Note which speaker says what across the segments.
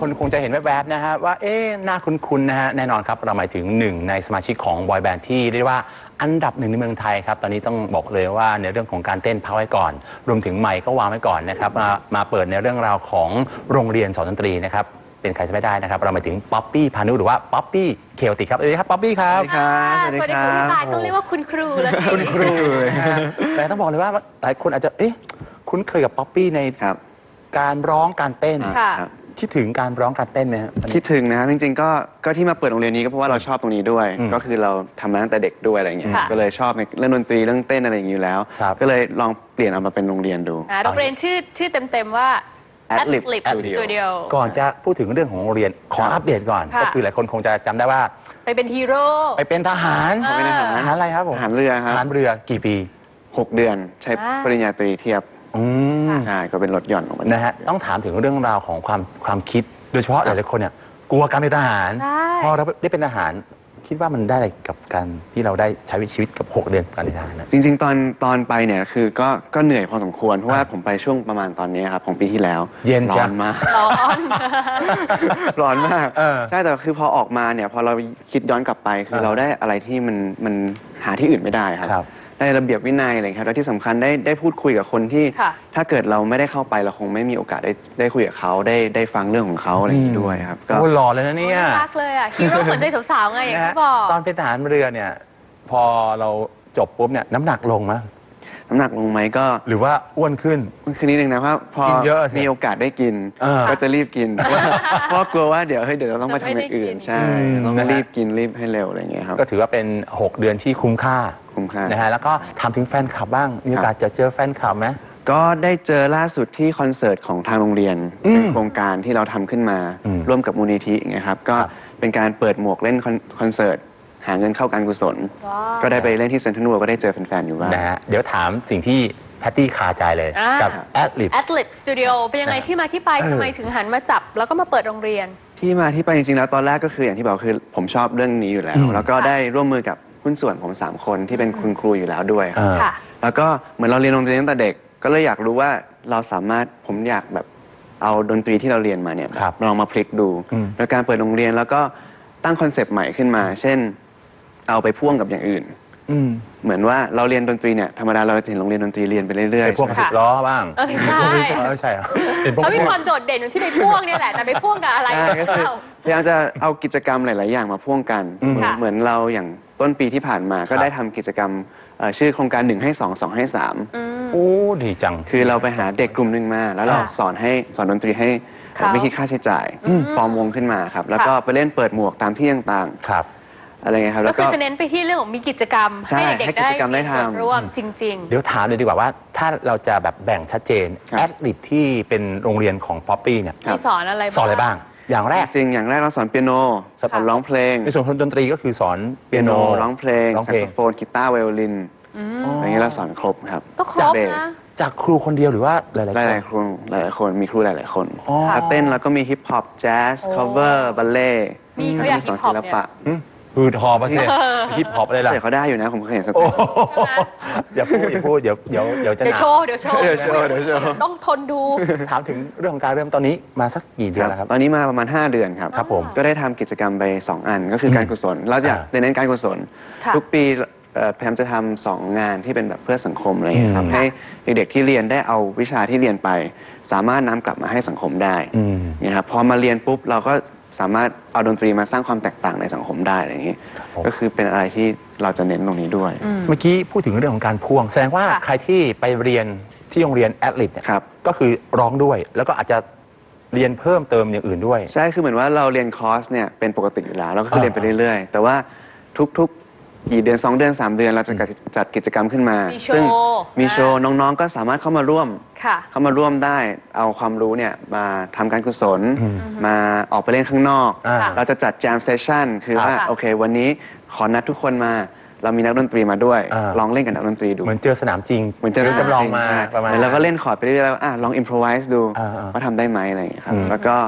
Speaker 1: คนคงจะเห็นแวบๆนะฮะว่าหน้าคุ้นๆนะฮะแน่นอนครับเราหมายถึงหนึ่งในสมาชิกของบอยแบนด์ที่เรียกว่าอันดับหนึ่งในเมืองไทยครับตอนนี้ต้องบอกเลยว่าในเรื่องของการเต้นพักไว้ก่อนรวมถึงไมค์ก็วางไว้ก่อนนะครับมาเปิดในเรื่องราวของโรงเรียนสอนดนตรีนะครับเป็นใครจะไม่ได้นะครับเราหมายถึงป๊อปปี้พานุหรือว่าป๊อปปี้เคโอติกครับสวัสดีครับป๊อปปี้ครับ
Speaker 2: สวัสดีครับ
Speaker 3: สวัสดีครับพี่ตายต้องเรียกว่าคุณครูแล้ว
Speaker 1: คุณครูเลยแต่ต้องบอกเลยว่าหลายคนอาจจะคุ้นเคยกับป๊อปปี้ในการร้องการเต้นคิดถึงการร้องการเต้นไหมครับ
Speaker 2: คิดถึงนะครับจริงๆก็ที่มาเปิดโรงเรียนนี้ก็เพราะว่าเราชอบตรงนี้ด้วยก็คือเราทำมาตั้งแต่เด็กด้วยอะไรเงี้ยก็เลยชอบเรื่องดนตรีเรื่องเต้นอะไรอย่างนี้อยู่แล้วก็เลยลองเปลี่ยนเอามาเป็นโรงเรียนดู
Speaker 3: โรงเรียนชื่อเต็มๆว่า
Speaker 2: Adlib
Speaker 3: Studio
Speaker 1: ก่อนจะพูดถึงเรื่องของโรงเรียนขออัปเดตก่อนก็คือหลายคนคงจะจำได้ว่า
Speaker 3: ไปเป็นฮีโร่
Speaker 1: ไปเป็นทหารทหารอะไรครับผม
Speaker 2: ทหารเรือครับ
Speaker 1: ทหารเรือกี่ปี
Speaker 2: 6 เดือนใช้ปริญญาตรีเทียบใช่ก็เป็นรถหย่อนของมัน
Speaker 1: นะฮะต้องถามถึงเรื่องราวของความคิดโดยเฉพาะหลายๆคนเนี่ยกลัวการเป็นทหารพอเราได้เป็นทหารคิดว่ามันได้อะไรกับการที่เราได้ใช้ชีวิตกับ6 เดือนการเป็นทหารนะ
Speaker 2: จริงๆตอนไปเนี่ยคือก็เหนื่อยพอสมควรเพราะว่าผมไปช่วงประมาณตอนนี้ครับของปีที่แล้ว
Speaker 1: เย็น
Speaker 2: ร้อนมากร้อนมากใช่แต่คือพอออกมาเนี่ยพอเราคิดย้อนกลับไปคือเราได้อะไรที่มันหาที่อื่นไม่ได้ครับได้ระเบียบวินัยอะไรครับและที่สำคัญได้พูดคุยกับคนที่ถ้าเกิดเราไม่ได้เข้าไปเราคงไม่มีโอกาสได้คุยกับเขาได้ฟังเรื่องของเขาอะไรอย่างนี้ด้วยครับ
Speaker 1: ก็หล่อเลยนะเนี่ย
Speaker 3: รักเลยอ่ะฮีโร่สนใจสาวๆไงอย่างที่บอก
Speaker 1: ตอนเป็นทหารเรือเนี่ยพอเราจบปุ๊บเนี่ยน้ำหนักลงไหม
Speaker 2: น้ำหนักลงไหมก็
Speaker 1: หรือว่าอ้วนขึ้น
Speaker 2: คือนิดนึงนะเพราะพอมีโอกาสได้กินก็จะรีบกินเพราะกลัวว่าเดี๋ยวเราต้องไปทำอย่างอื่นใช่ต้องรีบกินรีบให้เร็วอะไรอย่างเงี้ยครับ
Speaker 1: ก็ถือว่าเป็น6 เดือนที่คุ้มค่านะฮะแล้วก็ถามถึงแฟนคลับบ้างมีโอกาสจะเจอแฟนคลับไหม
Speaker 2: ก็ได้เจอล่าสุดที่คอนเสิร์ตของทางโรงเรียนเป็นโครงการที่เราทำขึ้นมาร่วมกับมูลนิธินะครับก็เป็นการเปิดหมวกเล่นคอนเสิร์ตหาเงินเข้าการกุศลก็ได้ไปเล่นที่เซ็นทรัลเวิลด์ก็ได้เจอแฟนๆอยู่บ้าง
Speaker 1: นะฮะเดี๋ยวถามสิ่งที่แพตตี้คาใจเลยกับ
Speaker 3: Adlib Studio เป็นยังไงที่มาที่ไปทำไมถึงหันมาจับแล้วก็มาเปิดโรงเรียน
Speaker 2: ที่มาที่ไปจริงๆแล้วตอนแรกก็คืออย่างที่บอกคือผมชอบเรื่องนี้อยู่แล้วแล้วก็ได้ร่วมมือกับหุ้นส่วนผม3 คนที่เป็นคุณครูอยู่แล้วด้วยแล้วก็เหมือนเราเรียนโรงเรียนตั้งแต่เด็กก็เลยอยากรู้ว่าเราสามารถผมอยากแบบเอาดนตรีที่เราเรียนมาเนี่ยลองมาพลิกดูโดยการเปิดโรงเรียนแล้วก็ตั้งคอนเซปต์ใหม่ขึ้นมาเช่นเอาไปพ่วงกับอย่างอื่นเหมือนว่าเราเรียนดนตรีเนี่ยธรรมดาเราจะเห็นโรงเรียนดนตรีเรียนไปเรื่อย
Speaker 1: ๆไปพ่วงกับ10 ล้อบ้าง
Speaker 3: ไม่
Speaker 1: ใช่
Speaker 3: เขามีความโดดเด่นที่ไปพ่วงเนี่ยแหละแต่ไปพ่วงกับอะไร
Speaker 2: ก็คือพยายามจะเอากิจกรรมหลายๆอย่างมาพ่วงกันเหมือนเราอย่างต้นปีที่ผ่านมาก็ได้ทำกิจกรรมชื่อโครงการ1 ให้ 2 2 ให้ 3
Speaker 1: โอ้ดีจัง
Speaker 2: คือเราไปหาเด็กกลุ่มหนึ่งมาแล้วเราสอนดนตรีให้ไม่คิดค่าใช้จ่ายฟอร์มวงขึ้นมาครับแล้วก็ไปเล่นเปิดหมวกตามที่ต่างๆอะไรเงี้ยครับ
Speaker 3: ก็คือจะเน้นไปที่เรื่องของมีกิจกรรมให้เด็กได้มีส่วนร่วมจริงๆ
Speaker 1: เดี๋ยวถามเลยดีกว่าว่าถ้าเราจะแบบแบ่งชัดเจนAdlibที่เป็นโรงเรียนของป๊อปปี้เนี่ย
Speaker 3: สอนอะไร
Speaker 1: บ้างอย่างแรก
Speaker 2: จริงอย่างแรกเราสอนเปียโนสอนร้องเพลง
Speaker 1: ในส่วนของดนตรีก็คือสอนเปียโน
Speaker 2: ร้องเพลงแซกโซโฟนกีตาร์ไวโอลินอย่างนี้เราสอนครบครับ
Speaker 3: ก็ครบนะ
Speaker 1: จากครูคนเดียวหรือว่าหลาย
Speaker 2: ๆคนหลายๆคนมีครูหลายๆคนเต้นแล้วก็มีฮิปฮอปแจ๊สคัฟเวอร์บัลเล่
Speaker 3: มีเขาอยากฮิปฮอปเนี่ย
Speaker 1: ฮืดฮอปะสิฮิปฮอปอะไรล่ะ
Speaker 2: เขาได้อยู่นะผมเคยเห็นสัก
Speaker 1: อย่าพูดเดี๋ยวจะ
Speaker 3: โชว์ต้องทนดู
Speaker 1: ถามถึงเรื่องของการเริ่มตอนนี้มาสักกี่เดือนแล้วครับ
Speaker 2: ตอนนี้มาประมาณ5 เดือนครับผมก็ได้ทำกิจกรรมไป2 อันก็คือการกุศลเราจะเน้นการกุศลทุกปีพยายามจะทำ2 งานที่เป็นแบบเพื่อสังคมอะไรอย่างนี้ครับให้เด็กๆที่เรียนได้เอาวิชาที่เรียนไปสามารถนำกลับมาให้สังคมได้นี่ครับพอมาเรียนปุ๊บเราก็สามารถเอาดนตรีมาสร้างความแตกต่างในสังคมได้อะไรอย่างนี้ก็คือเป็นอะไรที่เราจะเน้นตรงนี้ด้วย
Speaker 1: เมื่อกี้พูดถึงเรื่องของการพ่วงแสดงว่าใครที่ไปเรียนที่โรงเรียนAdlibเนี่ยก็คือร้องด้วยแล้วก็อาจจะเรียนเพิ่มเติมอย่างอื่นด้วย
Speaker 2: ใช่คือเหมือนว่าเราเรียนคอร์สเนี่ยเป็นปกติอยู่แล้วแล้วก็คือเรียนไปเรื่อยๆแต่ว่าทุกกี่เดือน2 เดือน3 เดือนเราจะจัดกิจกรรมขึ้นมาซึ่งมีโชว์น้องๆก็สามารถเข้ามาร่วมได้เอาความรู้เนี่ยมาทำการกุศลมาออกไปเล่นข้างนอกเราจะจัดแจมเซสชั่นคือว่าโอเควันนี้ขอนัดทุกคนมาเรามีนักดนตรีมาด้วยลองเล่นกับนักดนตรีดู
Speaker 1: เหมือนเจอสนามจริง
Speaker 2: เหมือนเจอจำลองมาแล้วก็เล่นคอร์ดไปเรื่อยๆแล้วลองอิมพรไวส์ดูว่าทำได้ไหมอะไรอย่างเงี้ยครับแล้วก็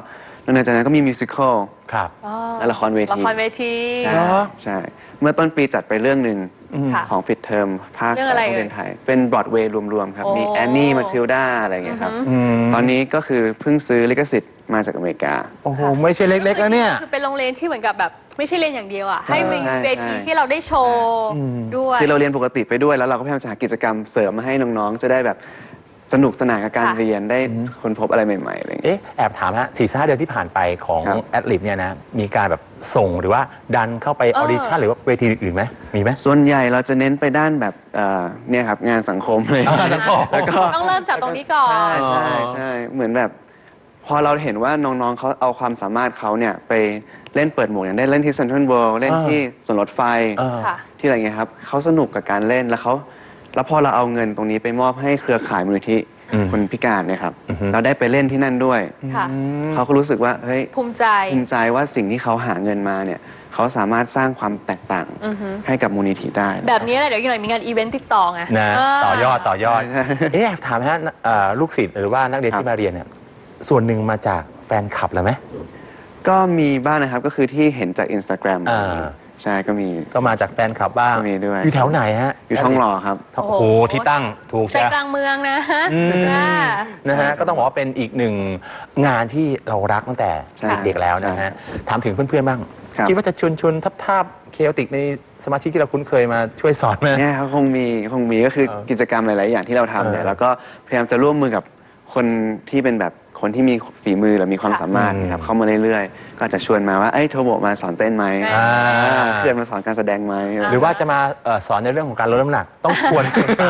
Speaker 2: แล้วหลังจากนั้นก็มีมิวสิควล
Speaker 1: ครับ
Speaker 3: อ๋อ
Speaker 2: และละครเวที
Speaker 3: ละครเวที
Speaker 2: ใช่
Speaker 1: เหรอ
Speaker 2: ใช่ เมื่อต้นปีจัดไปเรื่องหนึ่ง
Speaker 3: ค่ะ
Speaker 2: ของปิดเทอมภาค
Speaker 3: เรื่องอะไร
Speaker 2: โรงเรียนไทย เป็นบรอดเวย์รวมๆครับ
Speaker 3: โอ้
Speaker 2: มีแอนนี่มาทิลดาอะไรอย่างเงี้ยครับ ตอนนี้ก็คือเพิ่งซื้อลิขสิทธิ์มาจากอเมริกา
Speaker 1: โอ้โห ไม่ใช่เล็กๆแล้วเนี่ย
Speaker 3: คือเป็นโรงเรียนที่เหมือนกับแบบไม่ใช่เรียนอย่างเดียวอ่ะ
Speaker 2: ใช่
Speaker 3: ให้มี
Speaker 2: ใช่
Speaker 3: เวทีที่เราได้โชว์ด้วย
Speaker 2: คือเราเรียนปกติไปด้วยแล้วเราก็พยายามจะหากิจกรรมเสริมมาให้น้องๆ จะได้แบบสนุกสนานกับการ
Speaker 3: ค่ะ
Speaker 2: เรียนได้ค้นพบอะไรใหม่ๆอะไรอย่างเงี้ย
Speaker 1: เอ๊ะ แอบถามฮะ4-5 เดือนที่ผ่านไปของ
Speaker 2: ครับ
Speaker 1: แอดลิบเนี่ยนะ มีการแบบส่งหรือว่าดันเข้าไปออดิชั่นหรือว่าเวทีอื่นๆไหม มีไหม
Speaker 2: ส่วนใหญ่เราจะเน้นไปด้านแบบเนี่ยครับงานสังคมเลย
Speaker 1: สังคม
Speaker 2: แล้วก็
Speaker 3: ต้องเริ่มจากตรงนี้ก่อน
Speaker 2: ใช่เหมือนแบบพอเราเห็นว่าน้องๆเขาเอาความสามารถเขาเนี่ยไปเล่นเปิดหมวกอย่างได้เล่นที่เซ็นทรัลเวิลด์เล่นที่สวนรถไฟ
Speaker 3: ค่ะ
Speaker 2: ที่อะไรเงี้ยครับเขาสนุกกับการเล่นแล้วพอเราเอาเงินตรงนี้ไปมอบให้เครือข่ายมูลนิธิคนพิการเนี่ยครับเราได้ไปเล่นที่นั่นด้วย
Speaker 3: ค่ะ
Speaker 2: เขาก็รู้สึกว่าเฮ้ย
Speaker 3: ภูมิใจ
Speaker 2: ภูมิใจว่าสิ่งที่เขาหาเงินมาเนี่ยเขาสามารถสร้างความแตกต่างให้กับมูลนิธิได้
Speaker 3: แบบนี้แหละเดี๋ยวอีกหน่อยมีงานอีเวนต์ติดต่อไง
Speaker 1: นะ ต่อยอด
Speaker 2: ใช่
Speaker 1: เอ๊ะแอบถามฮะลูกศิษย์หรือว่านักเรียน
Speaker 2: ครับ
Speaker 1: ที่มาเรียนเนี่ยส่วนหนึ่งมาจากแฟนคลับเหรือไหม
Speaker 2: ก็มีบ้างนะครับก็คือที่เห็นจาก Instagram
Speaker 1: อ่า
Speaker 2: ใช่ก็มี
Speaker 1: ก็มาจากแฟนคลับบ้าง
Speaker 2: ก็มีด้วย
Speaker 1: อยู่แถวไหนฮะ
Speaker 2: อยู่ท้องหล่อครับ
Speaker 1: โอ้โห ที่ตั้งถูก
Speaker 3: ใจ
Speaker 1: ใช่
Speaker 3: กลางเมืองนะ
Speaker 1: อืม
Speaker 3: อ่า
Speaker 1: นะฮะก็ต้องบอกว่าเป็นอีกหนึ่งงานที่เรารักตั้งแต่
Speaker 2: ใช่
Speaker 1: เด็กๆแล้วนะฮะถามถึงเพื่อนๆบ้าง
Speaker 2: ครับ
Speaker 1: คิดว่าจะชวนทาบเคโอติกในสมาชิกที่เราคุ้นเคยมาช่วยสอนไหม
Speaker 2: เนี่ยเขาคงมีก็คือกิจกรรมหลาย ๆ อย่างที่เราทำเนี่ยแล้วก็พยายามจะร่วมมือกับคนที่เป็นแบบคนที่มีฝีมือหรือมีความสามารถนะครับเข้ามาเรื่อย ๆ ก็อาจจะชวนมาว่าเอ้ยโทโบมาสอนเต้นไหม
Speaker 3: อ่า
Speaker 2: เขื่อนมาสอนการแสดงไหม
Speaker 1: หรือว่าจะมาสอนในเรื่องของการลดน้ำหนัก ต้องชวน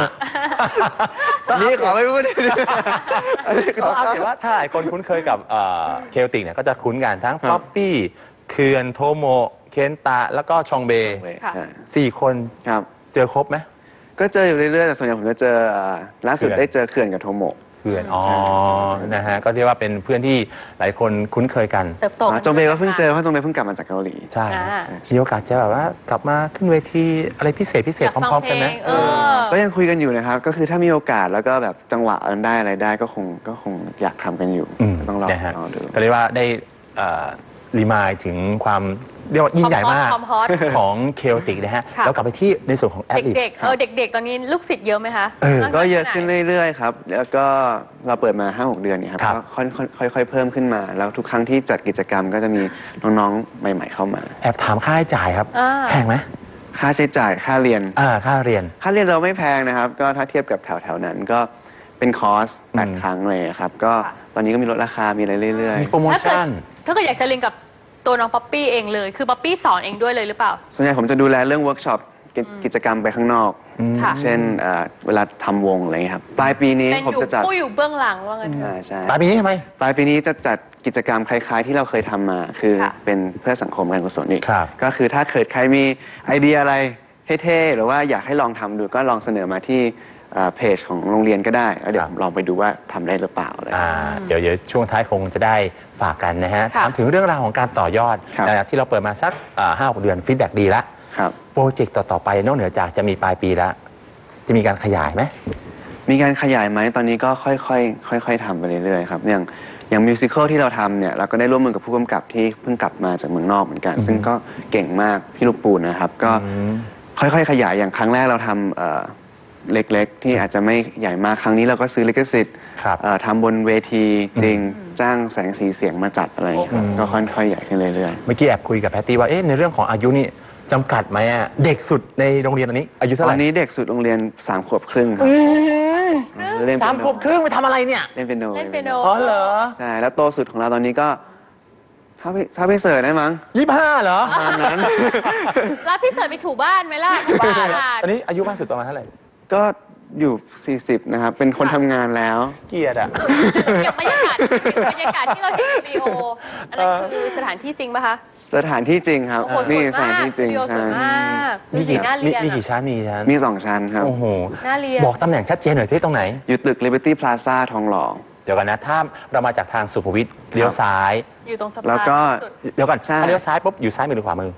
Speaker 2: นี่ขอไม่พูดอันนี้ข
Speaker 1: ก็
Speaker 2: อ
Speaker 1: เอาเห็นว่าถ้าหลายคนคุ้นเคยกับเคโอติกเนี่ยก็จะคุ้นกันทั้งป๊อปปี้เขื่อนโทโมเคนตะแล้วก็ชองเบ
Speaker 3: ค่ะ
Speaker 1: 4 คน
Speaker 2: ครับ
Speaker 1: เจอครบไหม
Speaker 2: ก็เจออยู่เรื่อย ๆ แต่ส่วนใหญ่ผมจะเจอล่าสุด
Speaker 1: เขื่อน
Speaker 2: ได้เจอเขื่อนกับโทโมะ
Speaker 1: เพื่อนอ๋อ
Speaker 2: ใช่ใช่
Speaker 1: นะฮะก็เรียกว่าเป็นเพื่อนที่หลายคนคุ้นเคยกัน
Speaker 3: เติบโต
Speaker 2: จงเบย์ก็เพิ่งเจอเพราะจงเบย์เพิ่งกลับมาจากเกาหลี
Speaker 1: ใช่
Speaker 3: อ่า
Speaker 1: มีโอกาสจะแบบว่ากลับมาขึ้นเวทีอะไรพิเศษพ
Speaker 3: อยาก
Speaker 1: ร้
Speaker 3: ฟัง
Speaker 1: อม
Speaker 3: เพ
Speaker 1: ๆ
Speaker 3: ล
Speaker 1: กันไหม
Speaker 3: งเออ
Speaker 2: ก็ยังคุยกันอยู่นะครับ ก็คือถ้ามีโอกาสแล้วก็แบบจังหวะได้อะไรได้ก็คงอยากทำกันอยู่ ต้องรอ
Speaker 1: นะฮะ
Speaker 2: ดู
Speaker 1: ก็เรียกว่าได้รีมายถึงความเรียกว่ายิ่งใหญ่มาก
Speaker 3: ความฮอต
Speaker 1: ของเคโอติกนะฮะ
Speaker 3: ค่ะ
Speaker 1: แล้วกลับไปที่ในส่วนของแอดลิบ
Speaker 3: เด็กๆเด็กๆ ตอนนี้ลูกศิษย์เยอะไหมคะ
Speaker 2: ก็เยอะขึ้นเรื่อยๆครับ แล้วก็เราเปิดมา 5-6 เดือนเนี่ยครับ
Speaker 1: ครับ
Speaker 2: ก็ค่อยๆเพิ่มขึ้นมา แล้วทุกครั้งที่จัดกิจกรรมก็จะมีน้องๆ ใหม่ๆเข้ามา
Speaker 1: แอบถามค่าใช้จ่ายครับ
Speaker 3: อ่า
Speaker 1: แพงไหม
Speaker 2: ค่าใช้จ่ายค่าเรียน
Speaker 1: ค่าเรียน
Speaker 2: ค่าเรียนเราไม่แพงนะครับ ก็ถ้าเทียบกับแถวๆนั้นก็เป็นคอร์ส
Speaker 1: อืม
Speaker 2: 8 ครั้งเลยครับ ก็
Speaker 3: ค่ะ
Speaker 2: ตอนนี้ก็มีลดราคา มีอะไรเรื่อย
Speaker 1: มีโปรโมชั่น
Speaker 3: ถ้าเกิดอยากจะเรียนกับตัวน้องป๊อปปี้เองเลย คือป๊อปปี้สอนเองด้วยเลยหรือเปล่า
Speaker 2: ๆ ส่วนใหญ่ผมจะดูแลเรื่องเวิร์กช็อปกิจกรรมไปข้างนอก
Speaker 3: ค่ะ
Speaker 2: เช่นเวลาทำวงอะไรอย่างเงี้ยครับ ปลายปีนี้
Speaker 3: เป็น
Speaker 2: ผม
Speaker 3: อยู่
Speaker 2: จะจัด
Speaker 3: ผู้อยู่เบื้องหลังว่างั้นเถ
Speaker 2: ใช่
Speaker 3: อะ
Speaker 2: ใช่
Speaker 1: ปลายปีนี้ทำไม
Speaker 2: ปลายปีนี้จะจัดกิจกรรมคล้ายๆ ที่เราเคยทำมา คือ
Speaker 3: ค่ะ
Speaker 2: เป็นเพื่อสังคมการกุศลอีก
Speaker 1: ครับ
Speaker 2: ก็คือถ้าเกิดใครมีไอเดียอะไรเท่ๆหรือว่าอยากให้ลองทำดูก็ลองเสนอมาที่เพจของโรงเรียนก็ได้แล้วเดี๋ยวผมลองไปดูว่าทำได้หรือเปล่าอะไร
Speaker 1: เดี๋ยวช่วงท้ายคงจะได้ฝากกันนะฮะ
Speaker 3: ค่ะ
Speaker 1: ถามถึงเรื่องราวของการต่อยอด
Speaker 2: ครับ
Speaker 1: ที่เราเปิดมาสัก5-6 เดือนฟีดแบ็กดีแล้ว
Speaker 2: ครับ
Speaker 1: โปรเจกต์ต่อ ๆ ไปนอกเหนือจากจะมีปลายปีแล้ว จะมีการขยายไหม
Speaker 2: มีการขยายไหมตอนนี้ก็ค่อยๆทำไปเรื่อยๆครับอย่างมิวสิควลที่เราทำเนี่ยเราก็ได้ร่วมมือกับผู้กำกับที่เพิ่งกลับมาจากเมืองนอกเหมือนกัน ซึ่งก็เก่งมากพี่ลูกปูนนะครับ ก็ค่อยๆขยายอย่างครั้งแรกเราทำเล็กๆ ที่อาจจะไม่ใหญ่มากครั้งนี้เราก็ซื้อลิขสิทธิ์
Speaker 1: ครับ
Speaker 2: ทำบนเวทีจริงจ้างแสงสีเสียงมาจัดอะไรอย่างเงี้ยครับก็ค่อยๆใหญ่ขึ้นเรื่อย
Speaker 1: เมื่อกี้แอบคุยกับแพตตี้ว่าในเรื่องของอายุนี่จำกัดไหมอะเด็กสุดในโรงเรียนตอนนี้ อายุ
Speaker 2: ๆ
Speaker 1: เท่า
Speaker 2: ต
Speaker 1: ไห
Speaker 2: อ
Speaker 1: ร่
Speaker 2: นนี้เด็กสุดโรงเรียน3 ขวบครึ่งครับเล่น
Speaker 1: สามขวบครึ่งไปทำอะไรเนี่ย
Speaker 2: เล่นเปียโน
Speaker 3: เล่นเปียโน
Speaker 1: อ๋อเหรอ
Speaker 2: ใช่แล้วโตสุดของเราตอนนี้ก็ถ้าพี่เสิร์ชได้มั้ง
Speaker 1: 25เหรอ
Speaker 2: ประมาณนั้น
Speaker 3: แล้วพี่เสิร์ชไปถูบ้านไหมล่ะถูบ้าน
Speaker 1: ตอนนี้อายุมากสุดประมาณเท่าไหร่
Speaker 2: ก็อยู่ 40 นะครับ เป็นคนทำงานแล้ว
Speaker 1: เกียรติอะ
Speaker 3: เก็บบรรยากาศที่เราเห็นวิดีโออันนั้นคือสถานที่จริงป่ะคะ
Speaker 2: สถานที่จริงครับ
Speaker 3: โอ้โหส
Speaker 2: นี่
Speaker 3: วย
Speaker 2: สถาน
Speaker 3: มาก
Speaker 2: ที่
Speaker 3: ส
Speaker 2: จริ
Speaker 3: ตู
Speaker 2: ง
Speaker 3: ดิโอส
Speaker 2: ใช่
Speaker 3: วยมากดูสิน่าเรียน
Speaker 1: มีกี่ชั้นมีกี่ชั้น
Speaker 2: มี 2 ชั้นครับ
Speaker 1: โอ้โห
Speaker 3: น่าเรียน
Speaker 1: บอกตำแหน่งชัดเจนหน่อยที่ตรงไหน
Speaker 2: อยู่ตึก Liberty Plaza ทองหล่อ
Speaker 1: เดี๋ยวกันนะถ้าเรามาจากทางสุขุมวิทเลี้ยวซ้าย
Speaker 3: อยู่ตรงสะพาน
Speaker 2: แล้วก็
Speaker 3: สุด
Speaker 1: เดี๋ยวก่อน
Speaker 2: ใช่
Speaker 1: ถ้าเลี้ยวซ้ายปุ๊บอยู่ซ้ายมือหรือขวามือ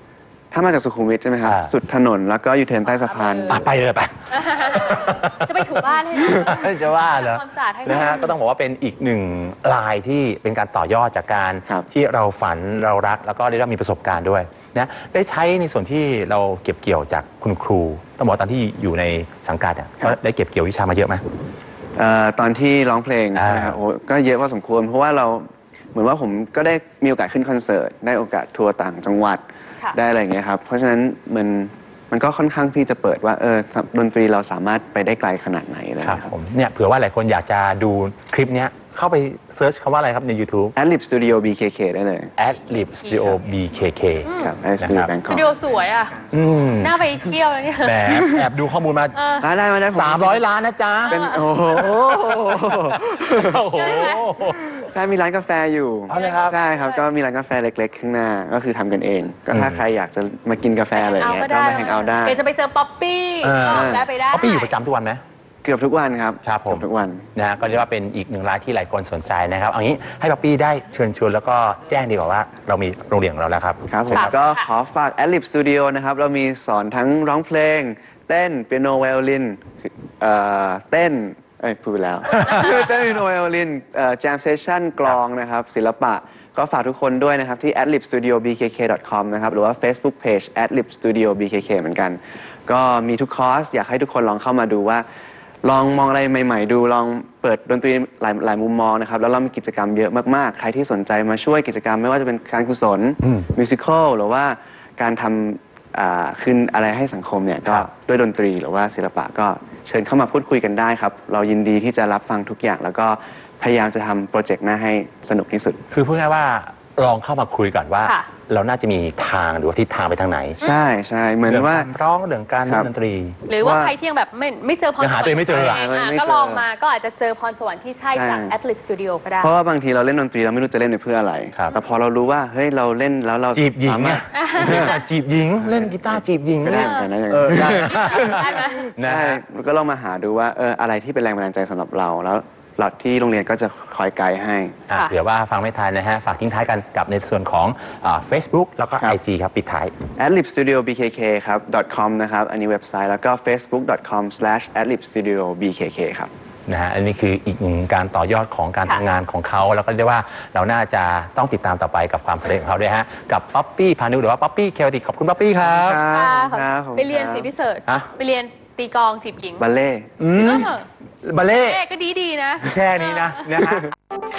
Speaker 2: ถ้ามาจากสุขุมวิทใช่ไหมครับสุดถนนแล้วก็ยูเทิร์นใต้สะพาน
Speaker 1: ไปเลยไป
Speaker 3: จะไปถูบ้านให้นะ
Speaker 1: จะว่าเหรอ
Speaker 3: ความสะอาดให้
Speaker 1: นะฮะก็ต้องบอกว่าเป็นอีกหนึ่งลายที่เป็นการต่อยอดจากการที่เราฝันเรารักแล้วก็ได้รับมีประสบการณ์ด้วยนะได้ใช้ในส่วนที่เราเก็บเกี่ยวจากคุณครูต้องบอกตอนที่อยู่ในสังกัดได้เก็บเกี่ยววิชามาเยอะไหม
Speaker 2: ตอนที่ร้องเพลงนะครับโอ้ก็เยอะพอสมควรเพราะว่าเราเหมือนว่าผมก็ได้มีโอกาสขึ้นคอนเสิร์ตได้โอกาสทัวร์ต่างจังหวัดได้อะไรอย่างเงี้ยครับเพราะฉะนั้นมันก็ค่อนข้างที่จะเปิดว่าดนตรีเราสามารถไปได้ไกลขนาดไหนเลยครับ
Speaker 1: ผมเนี่ยเผื่อว่าหลายคนอยากจะดูคลิปเนี้ยเข้าไปเซิร์ชคำว่าอะไรครับใน YouTube
Speaker 2: Adlib Studio BKK ได้เลย
Speaker 1: Adlib Studio BKK
Speaker 2: ครับ Adlib Studio
Speaker 3: ส
Speaker 2: Bangkok
Speaker 3: ตูดิโอสวยอ่ะน่าไปเที่ยวแล้วเนี่ย
Speaker 1: แอบดูข้อมูลมา
Speaker 2: ได้
Speaker 1: 300 ล้านนะจ๊ะ
Speaker 2: เป็นโอ้โห
Speaker 1: โอ้โห
Speaker 2: ใช่มีร้านกาแฟอยู่ใช่ครับก็มีร้านกาแฟเล็กๆข้างหน้าก็คือทำกันเองก็ถ้าใครอยากจะมากินกาแฟอะไรอย่างเงี้ยก็มาแฮงเอาท์ได้
Speaker 3: เดี๋ยวจะไปเจอป๊อปปี้ก็ได้ไปได้
Speaker 1: ป๊อปปี้อยู่ประจำทุกวันไหม
Speaker 2: เกือบทุกวันครับ
Speaker 1: ครับผม
Speaker 2: ทุกวัน
Speaker 1: นะก็เรียกว่าเป็นอีกหนึ่งรายที่หลายคนสนใจนะครับเอางี้ให้ป๊อปปี้ได้เชิญชวนแล้วก็แจ้งดีกว่าว่าเรามีโรงเรียนของเราแล้วครับ
Speaker 2: ครับผมก็ขอฝาก Adlib Studio นะครับเรามีสอนทั้งร้องเพลงเต้นเปียโนไวโอลินเต้นพูดไปแล้ว เต้นเปียโนไวโอลินแจมเซสชั่นกลองนะครับศิลปะก็ฝากทุกคนด้วยนะครับที่ adlibstudiobkk.com นะครับหรือว่า Facebook Page adlibstudiobkk เหมือนกันก็มีทุกคอร์สอยากให้ทุกคนลองเข้ามาดูว่าลองมองอะไรใหม่ๆดูลองเปิดดนตรีหลายมุมมองนะครับแล้วเรามีกิจกรรมเยอะมากๆใครที่สนใจมาช่วยกิจกรรมไม่ว่าจะเป็นการกุศลมิวสิควลหรือว่าการทำขึ้นอะไรให้สังคมเนี่ยก็ด้วยดนตรีหรือว่าศิลปะก็เชิญเข้ามาพูดคุยกันได้ครับเรายินดีที่จะรับฟังทุกอย่างแล้วก็พยายามจะทำโปรเจกต์หน้าให้สนุกที่สุด
Speaker 1: คือพูดง่ายว่าลองเข้ามาคุยก่อนว่าเราน่าจะมีทางหรือว่าทิศทางไปทางไหน
Speaker 2: ใช่เหมือนว่า
Speaker 1: ร้องเรื่องการเล่นดนตรี
Speaker 3: หรือว่าใครที่ยังแบบไม่เจอพรสวรรค์
Speaker 1: หาตัวเองไม่เจอ
Speaker 3: ก็ลองมาก็อาจจะเจอพรสวรรค์ที่ใช่จาก Adlib Studio ก็ได้
Speaker 2: เพราะว่าบางทีเราเล่นดนตรีเราไม่รู้จะเล่นไปเพื่ออะไรแต่พอเรารู้ว่าเฮ้ยเราเล่นแล้วเรา
Speaker 1: จีบหญิงเนี่ยจีบหญิงเล่นกีตาร์จีบหญิง
Speaker 2: เล่น
Speaker 1: ได้
Speaker 3: ไหม
Speaker 2: ใช่ก็ลองมาหาดูว่าอะไรที่เป็นแรงบันดาลใจสำหรับเราแล้วหลักที่โรงเรียนก็จะคอยไกด์ให้
Speaker 1: เดี๋ยวว่าฟังไม่ทันนะฮะฝากทิ้งท้ายกันกับในส่วนของ Facebook แล้วก็ IG ครับปิดท้าย
Speaker 2: adlibstudiobkk ครับ .com นะครับอันนี้เว็บไซต์แล้วก็ facebook.com/adlibstudiobkk ครับ
Speaker 1: นะฮะอันนี้คืออีกหนึ่งการต่อยอดของการทำงานของเขาแล้วก็เรียกว่าเราน่าจะต้องติดตามต่อไปกับความสำเร็จของเขาด้วยฮะกับป๊อปปี้พานุหรือว่าป๊อปปี้เคลติขอบคุณป๊อปปี้ครับ
Speaker 3: ไปเรียนสิพิเศษไปเรียนตีกลองจีบหญิง
Speaker 2: บัลเล่
Speaker 1: บัลเล่
Speaker 3: ก็ดีนะ
Speaker 1: แค่นี้นะฮะ